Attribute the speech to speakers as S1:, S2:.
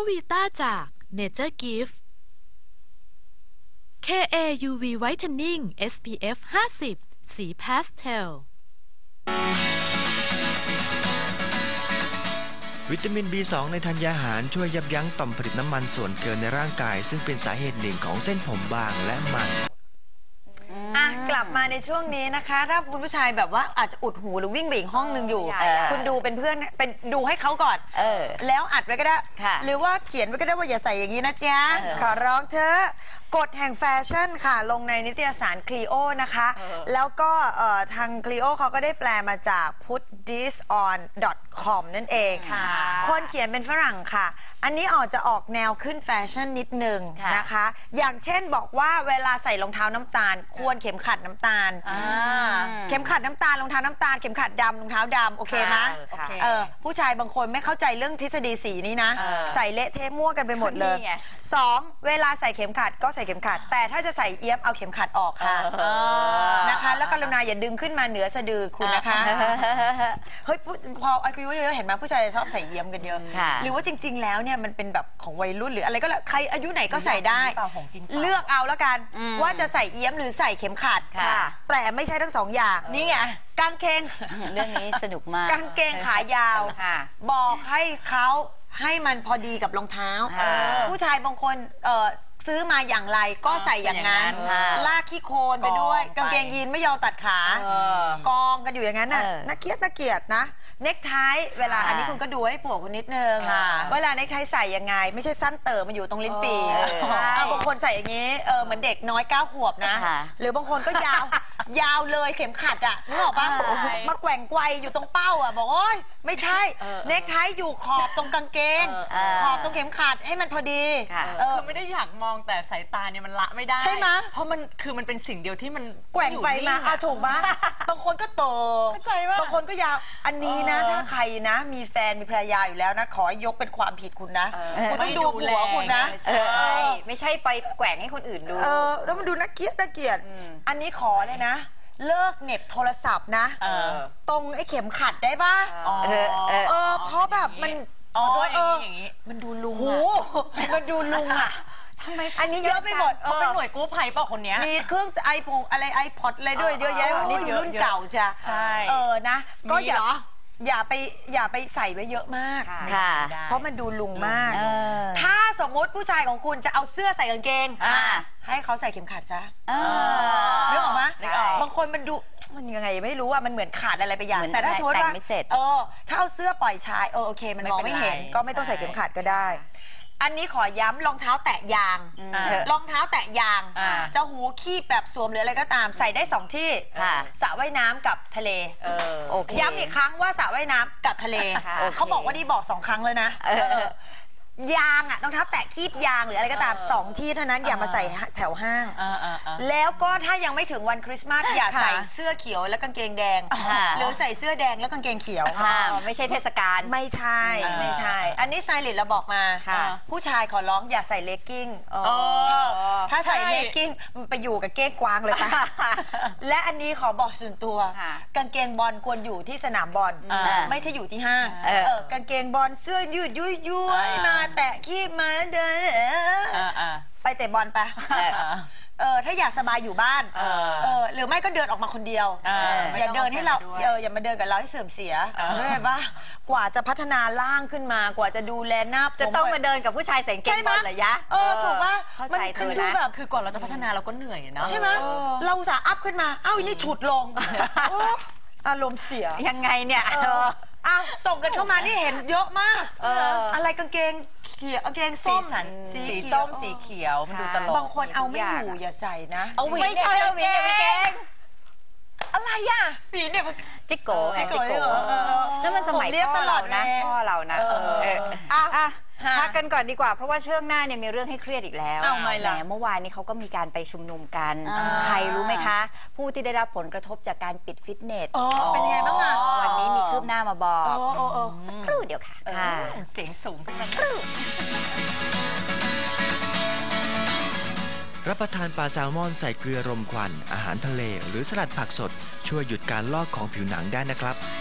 S1: วีต้าจาก Nature Gift KA UV Whitening SPF 50 สีพาสเทล
S2: วิตามิน B2 ในธัญญาหารช่วยยับยั้งต่อมผลิตน้ำมันส่วนเกินในร่างกายซึ่งเป็นสาเหตุหนึ่งของเส้นผมบางและมัน
S3: กลับมาในช่วงนี้นะคะถ้าคุณผู้ชายแบบว่าอาจจะอุดหูหรือวิ่งไปอีกห้องหนึ่งอยู่คุณดูเป็นเพื่อนเป็นดูให้เขาก่อนแล้วอัดไว้ก็ได้หรือว่าเขียนไว้ก็ได้ว่าอย่าใส่อย่างนี้นะจ๊ะขอร้องเธอกฎแห่งแฟชั่นค่ะลงในนิตยสารคลีโอนะคะแล้วก็ทางคลีโอเขาก็ได้แปลมาจาก putthison.com นั่นเองคนเขียนเป็นฝรั่งค่ะอันนี้จะออกแนวขึ้นแฟชั่นนิดนึงนะคะอย่างเช่นบอกว่าเวลาใส่รองเท้าน้ำตาลควรเข็มขัดน้ำตาลเข็มขัดน้ำตาลรองเท้าน้ำตาลเข็มขัดดำรองเท้าดำโอเคไหมผู้ชายบางคนไม่เข้าใจเรื่องทฤษฎีสีนี้นะใส่เละเทะมั่วกันไปหมดเลย2เวลาใส่เข็มขัดก็ใส่เข็มขัดแต่ถ้าจะใส่เอี้ยมเอาเข็มขัดออกค่ะนะคะแล้วกรุณาอย่าดึงขึ้นมาเหนือสะดือคุณนะคะเฮ้ยพออายุเยอะๆเห็นไหมผู้ชายชอบใส่เอี้ยมกันเยอะหรือว่าจริงๆแล้วเนี่ยมันเป็นแบบของวัยรุ่นหรืออะไรก็แล้วใครอายุไหนก็ใส่ได้เลือกเอาแล้วกันว่าจะใส่เอี้ยมหรือใส่เข็มขัดแต่ไม่ใช่ทั้งสองอย่างนี่ไงกางเกง
S4: เรื่องนี้สนุกมาก
S3: กางเกงขายาวบอกให้เขาให้มันพอดีกับรองเท้าผู้ชายบางคนซื้อมาอย่างไรก็ใส่อย่างนั้นลากขี้โคลนไปด้วยกางเกงยีนไม่ยอมตัดขากองกันอยู่อย่างนั้นน่ะน่าเกลียดนะเนคไทเวลาอันนี้คุณก็ดูให้ผัวคุณนิดนึงเวลาเนคไทใส่ยังไงไม่ใช่สั้นเติมมันอยู่ตรงลิ้นปี่บางคนใส่อย่างนี้เหมือนเด็กน้อย9 ขวบนะหรือบางคนก็ยาวเลยเข็มขัดอ่ะนึกออกปะมาแกว่งไกวอยู่ตรงเป้าอ่ะบอกโอ๊ยไม่ใช่เนคไทอยู่ขอบตรงกางเกงขอบตรงเข็มขัดให้มันพอดี
S5: คือไม่ได้อยากมองแต่สายตาเนี่ยมันละไม่ได้
S3: ใช่ไหม
S5: เพราะมันคือมันเป็นสิ่งเดียวที่มัน
S3: แกว่งไปมาถูกไหมบางคนก็โตบางคนก็ยาวอันนี้นะถ้าใครนะมีแฟนมีภรรยาอยู่แล้วนะขอยกเป็นความผิดคุณนะคุณต้องดูหัวคุณนะ
S4: ไม่ใช่ไปแกว่งให้คนอื่นดู
S3: แล้วมันดูน่าเกลียดอันนี้ขอเลยนะเลิกเน็บโทรศัพท์นะตรงไอ้เข็มขัดได้ป่ะเพราะแบบมัน
S5: อย่างนี้
S3: มันดูลุงมันดูลุงอ่ะทำไมอันนี้เยอะไปหมด
S5: เขาเป็นหน่วยกู้ภัยเปล่าคนนี้
S3: มีเครื่องไอโฟนอะไรไอพอดอะไรด้วยเยอะแยะนี่ดูรุ่นเก่าใช่นะก็อย่าไปใส่ไว้เยอะมากเพราะมันดูลุงมากถ้าสมมติผู้ชายของคุณจะเอาเสื้อใส่กางเกงให้เขาใส่เข็มขัดซะนึกออกไหมบางคนมันดูมันยังไงไม่รู้ว่ามันเหมือนขาดอะไรไปอย่างแต่ถ้าสมมติว่าถ้าเอาเสื้อปล่อยชายโอเคมันมองไม่เห็นก็ไม่ต้องใส่เข็มขัดก็ได้อันนี้ขอย้ำรองเท้าแตะยางรองเท้าแตะยางจะหูคีบแบบสวมหรืออะไรก็ตามใส่ได้2ที่สระว่ายน้ำกับทะเลย้ำอีกครั้งว่าสระว่ายน้ำกับทะเลเขาบอกว่านี่บอก2 ครั้งเลยนะยางรองเท้าแตะคีบยางหรืออะไรก็ตาม2 ที่เท่านั้นอย่ามาใส่แถวห้างแล้วก็ถ้ายังไม่ถึงวันคริสต์มาสอย่าใส่เสื้อเขียวและกางเกงแดงหรือใส่เสื้อแดงแล้วกางเกงเขียว
S4: ไม่ใช่เทศกาล
S3: ไม่ใช่อันนี้ไซริสเราบอกมาผู้ชายขอร้องอย่าใส่เลกกิ้งถ้าใส่เลกกิ้งมันไปอยู่กับเก้งกวางเลยปะและอันนี้ขอบอกส่วนตัวกางเกงบอลควรอยู่ที่สนามบอลไม่ใช่อยู่ที่ห้างกางเกงบอลเสื้อยืดยุยมาแตะคีบมาเดินไปเตะบอลไปถ้าอยากสบายอยู่บ้านหรือไม่ก็เดินออกมาคนเดียวอย่าเดินให้เราอย่ามาเดินกับเราให้เสื่อมเสียใช่ปะกว่าจะพัฒนาร่างขึ้นมากว่าจะดูแลหน้า
S4: จะต้องมาเดินกับผู้ชายใส่เกงบอลเหรอยะ
S3: ถูกปะ
S4: มัน
S5: คือดูแบบคือก่อนเราจะพัฒนาเราก็เหนื่อยนะ
S3: ใช่ไหมเราอุตส่าห์อัพขึ้นมาอันนี้ฉุดลงอารมณ์เสีย
S4: ยังไงเนี่ย
S3: ส่งกันเข้ามานี่เห็นเยอะมากอะไรกางเกงเขียวกางเกงส้ม
S5: สีส้มสีเขียวมันดูตลก
S3: บางคนเอาไม่อยู่อย่าใส่นะ
S4: ไม่ใช่เอาหวีเนี่ยเกง
S3: อะไรอ่ะหวีเนี่ย
S4: จิ๊กโก้ไงจิ๊กโก้แล้วมันสมัยพ่อเรานะพักกันก่อนดีกว่าเพราะว่าช่วงหน้าเนี่ยมีเรื่องให้เครียดอีกแล้วแหมเมื่อวานนี้เขาก็มีการไปชุมนุมกันใครรู้ไหมคะผู้ที่ได้รับผลกระทบจากการปิดฟิตเนส
S3: เป็นยังไงบ้างอ่ะ
S4: วันนี้มีคืบหน้ามาบอกสักครู่เดียวค่ะ
S5: เสียงสูงสักครู่
S2: รับประทานปลาแซลมอนใส่เกลือรมควันอาหารทะเลหรือสลัดผักสดช่วยหยุดการลอกของผิวหนังได้นะครับ